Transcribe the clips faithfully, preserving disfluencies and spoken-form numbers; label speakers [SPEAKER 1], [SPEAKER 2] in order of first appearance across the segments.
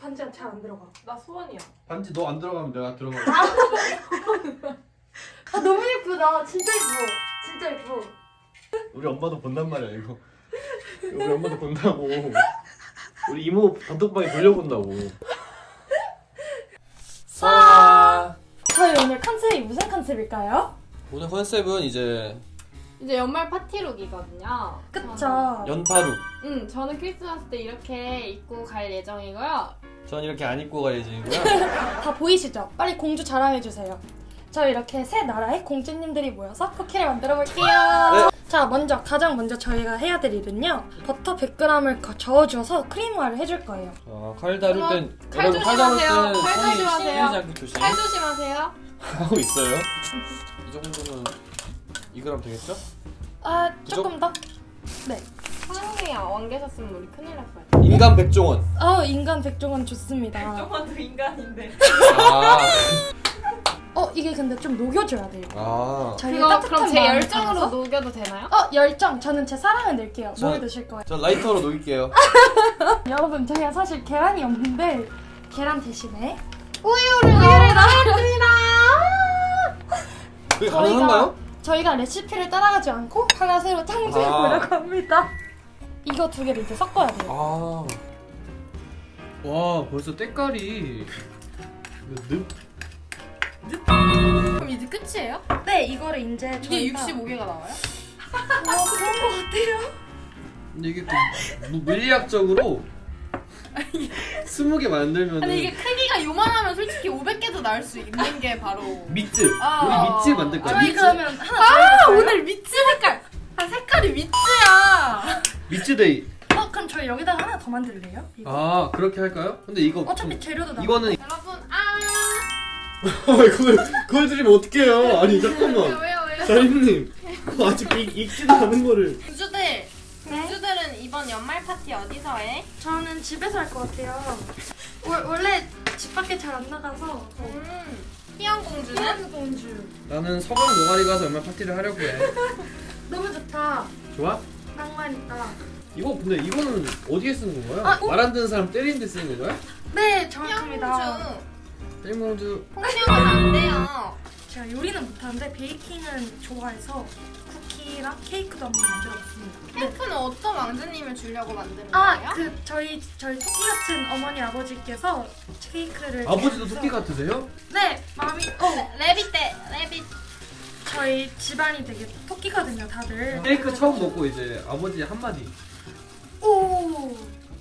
[SPEAKER 1] 반지가 잘 안 들어가.
[SPEAKER 2] 나 소원이야.
[SPEAKER 3] 반지 너 안 들어가면 내가 들어가.
[SPEAKER 1] 아 너무 예쁘다. 진짜 예뻐. 진짜 예뻐.
[SPEAKER 3] 우리 엄마도 본단 말이야 이거. 우리 엄마도 본다고. 우리 이모 단톡방에 돌려본다고. 사.
[SPEAKER 1] 저희 오늘 컨셉이 무슨 컨셉일까요?
[SPEAKER 3] 오늘 컨셉은 이제
[SPEAKER 2] 이제 연말 파티룩이거든요.
[SPEAKER 1] 그쵸.
[SPEAKER 3] 연파룩.
[SPEAKER 2] 응, 저는 크리스마스 때 이렇게 입고 갈 예정이고요.
[SPEAKER 3] 전 이렇게 안 입고 갈 예정이고요.
[SPEAKER 1] 다 보이시죠? 빨리 공주 자랑해주세요. 저 이렇게 세 나라의 공주님들이 모여서 쿠키를 만들어 볼게요.
[SPEAKER 3] 네.
[SPEAKER 1] 자, 먼저 가장 먼저 저희가 해야 될 일은요. 버터 백 그램을 저어줘서 크림화를 해줄 거예요.
[SPEAKER 3] 아, 칼 다룰 땐
[SPEAKER 2] 칼
[SPEAKER 3] 여러분 칼 다룰
[SPEAKER 2] 조심하세요.
[SPEAKER 3] 땐
[SPEAKER 2] 칼
[SPEAKER 3] 손이
[SPEAKER 2] 조심하세요.
[SPEAKER 3] 씻기지 않게 조심.
[SPEAKER 2] 칼 조심하세요.
[SPEAKER 3] 하고 있어요. 이 정도면 이 그램 되겠죠?
[SPEAKER 1] 아,
[SPEAKER 3] 그죠?
[SPEAKER 1] 조금 더? 네.
[SPEAKER 2] 사랑해 왕 계셨으면 우리 큰일 날 뻔.
[SPEAKER 3] 인간 백종원.
[SPEAKER 1] 어, 인간 백종원 좋습니다.
[SPEAKER 2] 조금도 인간인데.
[SPEAKER 3] 아.
[SPEAKER 1] 어, 이게 근데 좀 녹여줘야 돼요.
[SPEAKER 3] 아.
[SPEAKER 1] 저희
[SPEAKER 2] 그거
[SPEAKER 1] 따뜻한
[SPEAKER 2] 그럼 제
[SPEAKER 1] 마음을
[SPEAKER 2] 열정으로
[SPEAKER 1] 담아서.
[SPEAKER 2] 녹여도 되나요?
[SPEAKER 1] 어, 열정. 저는 제 사랑을 낼게요.
[SPEAKER 3] 저-
[SPEAKER 1] 뭐에 드실 거예요?
[SPEAKER 3] 저 라이터로 녹일게요.
[SPEAKER 1] 여러분, 저희가 사실 계란이 없는데 계란 대신에
[SPEAKER 2] 우유를 넣었습니다.
[SPEAKER 3] 그게 가능한가요?
[SPEAKER 1] 저희가 레시피를 따라가지 않고 하나 새로 창조해 보려고 합니다. 이거 두 개를 이제 섞어야 돼요.
[SPEAKER 3] 아. 와, 벌써 때깔이 늪.
[SPEAKER 2] 그럼 이제 끝이에요?
[SPEAKER 1] 네, 이거를 이제
[SPEAKER 2] 이게
[SPEAKER 1] 저희가-
[SPEAKER 2] 육십오 개가 나와요?
[SPEAKER 1] 어, 그런 거 같아요.
[SPEAKER 3] 근데 이게 또 무- 물리학적으로 스무 개 만들면
[SPEAKER 2] 아니 이게 크기가 요만하면 솔직히 오백 개도 나올 수 있는 게 바로
[SPEAKER 3] 밑즈.
[SPEAKER 2] 아.
[SPEAKER 3] 우리 밑즈 만들 거야.
[SPEAKER 1] 저희
[SPEAKER 3] 밑즈.
[SPEAKER 1] 그러면 하나
[SPEAKER 2] 아
[SPEAKER 1] 더 해볼까요?
[SPEAKER 2] 오늘 미츠 색깔 아 색깔이 미츠야.
[SPEAKER 3] 밑즈 데이.
[SPEAKER 1] 어, 그럼 저희 여기다가 하나 더 만들래요? 이거.
[SPEAKER 3] 아, 그렇게 할까요? 근데 이거
[SPEAKER 1] 어차피
[SPEAKER 3] 좀-
[SPEAKER 1] 재료도 나.
[SPEAKER 3] 이거는
[SPEAKER 2] 여러분 아
[SPEAKER 3] 그걸 그걸 드리면 어떡해요? 아니
[SPEAKER 2] 왜요
[SPEAKER 3] 잠깐만.
[SPEAKER 2] 왜요 왜요?
[SPEAKER 3] 사장님, 그거 아직 익, 익지도 않은 거를.
[SPEAKER 2] 공주들
[SPEAKER 1] 네?
[SPEAKER 2] 공주들은 이번 연말 파티 어디서 해?
[SPEAKER 1] 저는 집에서 할 것 같아요. 월, 원래 집 밖에 잘 안 나가서.
[SPEAKER 2] 음 희영 공주는?
[SPEAKER 1] 희연 공주.
[SPEAKER 3] 나는 서강 노가리 가서 연말 파티를 하려고 해.
[SPEAKER 1] 너무 좋다.
[SPEAKER 3] 좋아?
[SPEAKER 1] 낭만 있다.
[SPEAKER 3] 이거 근데 이거는 어디에 쓰는 건가요?
[SPEAKER 1] 아, 어?
[SPEAKER 3] 말 안 듣는 사람 때리는 데 쓰는 건가요?
[SPEAKER 1] 네,
[SPEAKER 2] 희영
[SPEAKER 1] 정확합니다.
[SPEAKER 2] 공주
[SPEAKER 3] 땡공주.
[SPEAKER 2] 폭력은 안 돼요.
[SPEAKER 1] 제가 요리는 못하는데 베이킹은 좋아해서 쿠키랑 케이크도 한번 만들어봤습니다.
[SPEAKER 2] 케이크는 어떤 왕자님을 주려고 만드는
[SPEAKER 1] 아,
[SPEAKER 2] 거예요?
[SPEAKER 1] 그 저희 저희 토끼 같은 어머니 아버지께서 케이크를
[SPEAKER 3] 아버지도
[SPEAKER 1] 해서-
[SPEAKER 3] 토끼 같으세요?
[SPEAKER 1] 네, 마음이 어
[SPEAKER 2] 레빗 때 레빗
[SPEAKER 1] 저희 집안이 되게 토끼거든요, 다들.
[SPEAKER 3] 케이크 처음 먹고 이제 아버지 한마디.
[SPEAKER 1] 오.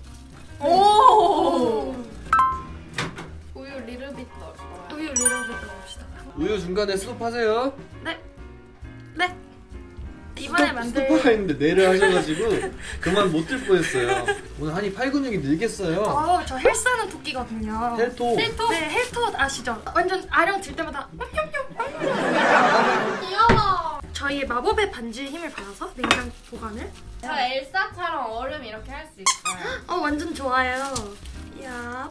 [SPEAKER 2] 오 우유 리르빗 넣어요.
[SPEAKER 1] 우유 리러브 넣읍시다.
[SPEAKER 3] 우유 중간에 스톱하세요.
[SPEAKER 1] 네. 네. 이번에 만들
[SPEAKER 3] 스톱하가 있는데 네를 하셔가지고 그만 못 들 뻔했어요. 오늘 한이 팔 근육이 늘겠어요.
[SPEAKER 1] 어, 저 헬스하는 토끼거든요.
[SPEAKER 3] 헬토.
[SPEAKER 1] 헬토? 네, 헬토 아시죠? 완전 아령 들 때마다
[SPEAKER 2] 귀여워.
[SPEAKER 1] 저희의 마법의 반지의 힘을 받아서 냉장 보관을.
[SPEAKER 2] 저 엘사처럼 얼음 이렇게 할 수 있어요.
[SPEAKER 1] 어, 완전 좋아요. 야,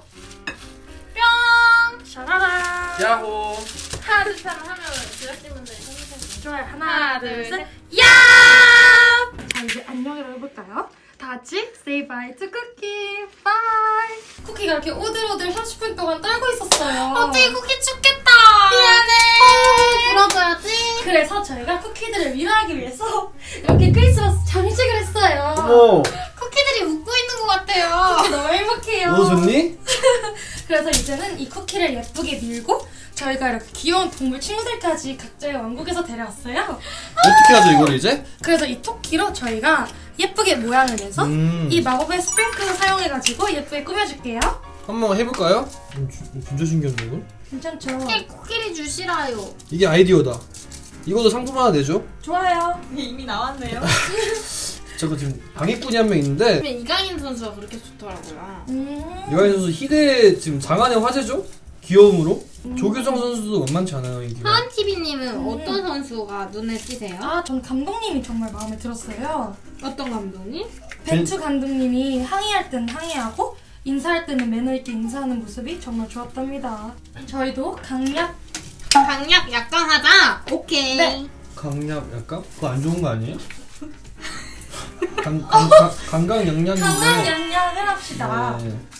[SPEAKER 2] 뿅!
[SPEAKER 1] 샤라라.
[SPEAKER 3] 야호.
[SPEAKER 2] 하나 둘셋 하면 제작진분들이 손짓해주세요.
[SPEAKER 1] 좋아요. 하나,
[SPEAKER 2] 하나,
[SPEAKER 1] 둘,
[SPEAKER 2] 둘,
[SPEAKER 1] 셋.
[SPEAKER 2] 셋.
[SPEAKER 1] 야! 자, 이제 안녕이라고 해볼까요? 다 같이 say bye to 쿠키. Bye. 쿠키가 이렇게 오들오들 삼십 분 동안 떨고 있었어요.
[SPEAKER 2] 어떻게 쿠키 춥겠다. 미안해. 불어줘야지.
[SPEAKER 1] 그래서 저희가 쿠키들을 위로하기 위해서 이렇게 크리스마스 장식을 했어요.
[SPEAKER 3] 어머.
[SPEAKER 2] 쿠키들이 웃고 있는 것 같아요.
[SPEAKER 1] 쿠키 너무 행복해요.
[SPEAKER 3] 너 좋니?
[SPEAKER 1] 그래서 이제는 이 쿠키를 예쁘게 밀고 저희가 이렇게 귀여운 동물 친구들까지 각자의 왕국에서 데려왔어요.
[SPEAKER 3] 어떻게 하죠 이걸 이제?
[SPEAKER 1] 그래서 이 토끼로 저희가 예쁘게 모양을 내서
[SPEAKER 3] 음.
[SPEAKER 1] 이 마법의 스프링클을 사용해가지고 예쁘게 꾸며줄게요.
[SPEAKER 3] 한번 해볼까요? 음, 진짜 신기한데 이거?
[SPEAKER 1] 괜찮죠?
[SPEAKER 2] 쿠키 쿠키를 주시라요.
[SPEAKER 3] 이게 아이디어다. 이것도 상품 하나 내죠?
[SPEAKER 1] 좋아요.
[SPEAKER 2] 이미 나왔네요.
[SPEAKER 3] 저거 지금 방해꾼이 한 명 있는데
[SPEAKER 2] 이강인 선수가 그렇게 좋더라고요.
[SPEAKER 1] 음.
[SPEAKER 3] 이강인 선수 희대 지금 장안의 화제죠? 귀여움으로. 조규성 선수도 만만치 않아요 인기가.
[SPEAKER 2] 하은티비님은
[SPEAKER 1] 음.
[SPEAKER 2] 어떤 선수가 눈에 띄세요?
[SPEAKER 1] 아, 전 감독님이 정말 마음에 들었어요.
[SPEAKER 2] 어떤 감독님?
[SPEAKER 1] 벤투 감독님이 항의할 땐 항의하고 인사할 때는 매너 있게 인사하는 모습이 정말 좋았답니다. 저희도 강약
[SPEAKER 2] 강약 약간 하자. 오케이.
[SPEAKER 1] 네.
[SPEAKER 3] 강약 약간? 그거 안 좋은 거 아니에요? 강, 강, 강, 강강 양양인데
[SPEAKER 1] 강강 양양을 합시다.
[SPEAKER 3] 네.
[SPEAKER 2] 희연님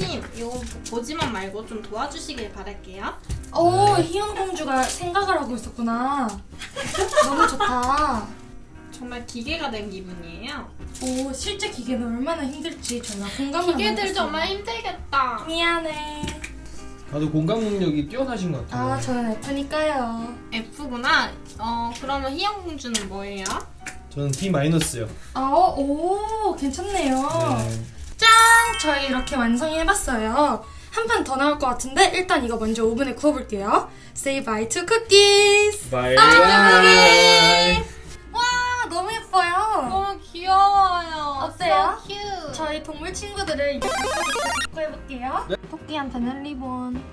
[SPEAKER 2] 희연님 이거 보지만 말고 좀 도와주시길 바랄게요.
[SPEAKER 1] 오, 희연 공주가 생각을 하고 있었구나. 너무 좋다.
[SPEAKER 2] 정말 기계가 된 기분이에요.
[SPEAKER 1] 오, 실제 기계는 얼마나 힘들지 저희가 공감을
[SPEAKER 2] 기계들
[SPEAKER 1] 하고
[SPEAKER 2] 정말
[SPEAKER 1] 있어요.
[SPEAKER 2] 힘들겠다.
[SPEAKER 1] 미안해.
[SPEAKER 3] 다들 공감 능력이 뛰어나신 것 같아요.
[SPEAKER 1] 아, 저는 F니까요.
[SPEAKER 2] F구나. 어 그러면 희연 공주는 뭐예요?
[SPEAKER 3] 저는 D 마이너스요.
[SPEAKER 1] 아, 어, 오, 괜찮네요.
[SPEAKER 3] 네.
[SPEAKER 1] 짠! 저희 이렇게 완성해봤어요. 한 판 더 나올 것 같은데 일단 이거 먼저 오븐에 구워볼게요. Say bye to cookies!
[SPEAKER 3] 바이.
[SPEAKER 1] 바이. 와, 너무 예뻐요.
[SPEAKER 2] 너무 귀여워요.
[SPEAKER 1] 어때요?
[SPEAKER 2] So cute.
[SPEAKER 1] 저희 동물 친구들을 이제 구해볼게요. 토끼한테는 리본.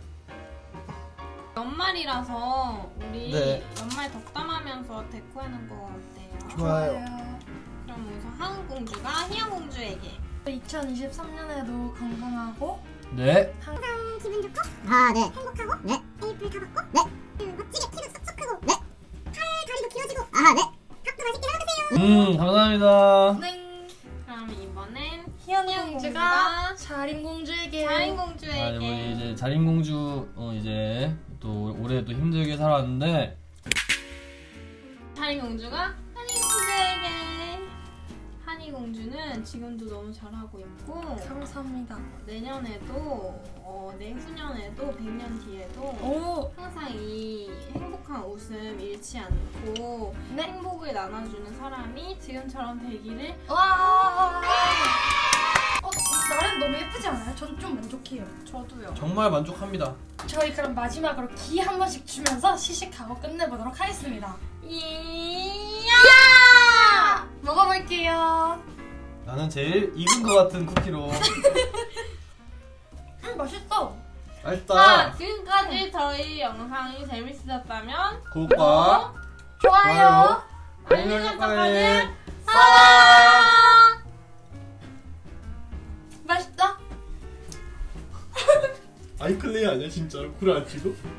[SPEAKER 2] 연말이라서 우리
[SPEAKER 3] 네.
[SPEAKER 2] 연말 덕담하면서 데코하는 거 어때요?
[SPEAKER 3] 좋아요.
[SPEAKER 2] 그럼 우선 하은 공주가 희연 공주에게.
[SPEAKER 1] 이천이십삼 년에도 건강하고
[SPEAKER 3] 네.
[SPEAKER 4] 기분 좋고 아, 네. 행복하고 네. 에이플 다 받고 네. 음, 멋지게 키도 쏙쏙 크고 네. 팔 다리도 길어지고 아, 네. 밥도 맛있게 해 드세요.
[SPEAKER 3] 음, 감사합니다.
[SPEAKER 1] 네.
[SPEAKER 2] 그럼 이번엔
[SPEAKER 1] 희연
[SPEAKER 2] 희연
[SPEAKER 1] 공주가
[SPEAKER 2] 공주가
[SPEAKER 1] 자린 공주에게
[SPEAKER 2] 자인
[SPEAKER 3] 아,
[SPEAKER 2] 공주에게.
[SPEAKER 3] 우리 이제 자린 공주 어 이제 또 올해 또 힘들게 살았는데
[SPEAKER 2] 자인 공주가 한이 공주에게. 한이 공주는 지금도 너무 잘하고 있고
[SPEAKER 1] 감사합니다.
[SPEAKER 2] 내년에도 어, 내후년에도 백 년 뒤에도
[SPEAKER 1] 오,
[SPEAKER 2] 항상 이 행복한 웃음 잃지 않고
[SPEAKER 1] 네.
[SPEAKER 2] 행복을 나눠주는 사람이 지금처럼 되기를.
[SPEAKER 1] 와. 어, 나름 너무 예쁘지 않아요? 전 좀 만족해요.
[SPEAKER 2] 저도요.
[SPEAKER 3] 정말 만족합니다.
[SPEAKER 1] 저희 그럼 마지막으로 기 한 번씩 주면서 시식하고 끝내보도록 하겠습니다.
[SPEAKER 2] 이야!
[SPEAKER 1] 먹어볼게요.
[SPEAKER 3] 나는 제일 익은 것 같은 쿠키로.
[SPEAKER 1] 음, 맛있어.
[SPEAKER 2] 자,
[SPEAKER 3] 맛있다.
[SPEAKER 2] 지금까지 저희 영상이 재밌으셨다면
[SPEAKER 3] 구독과
[SPEAKER 1] 좋아요.
[SPEAKER 2] 알림
[SPEAKER 3] 알림
[SPEAKER 2] 설정까지
[SPEAKER 3] 설정까지
[SPEAKER 2] 사랑!
[SPEAKER 1] 맛있다.
[SPEAKER 3] 아이클레이 아니야 진짜로? 구라 안 치고?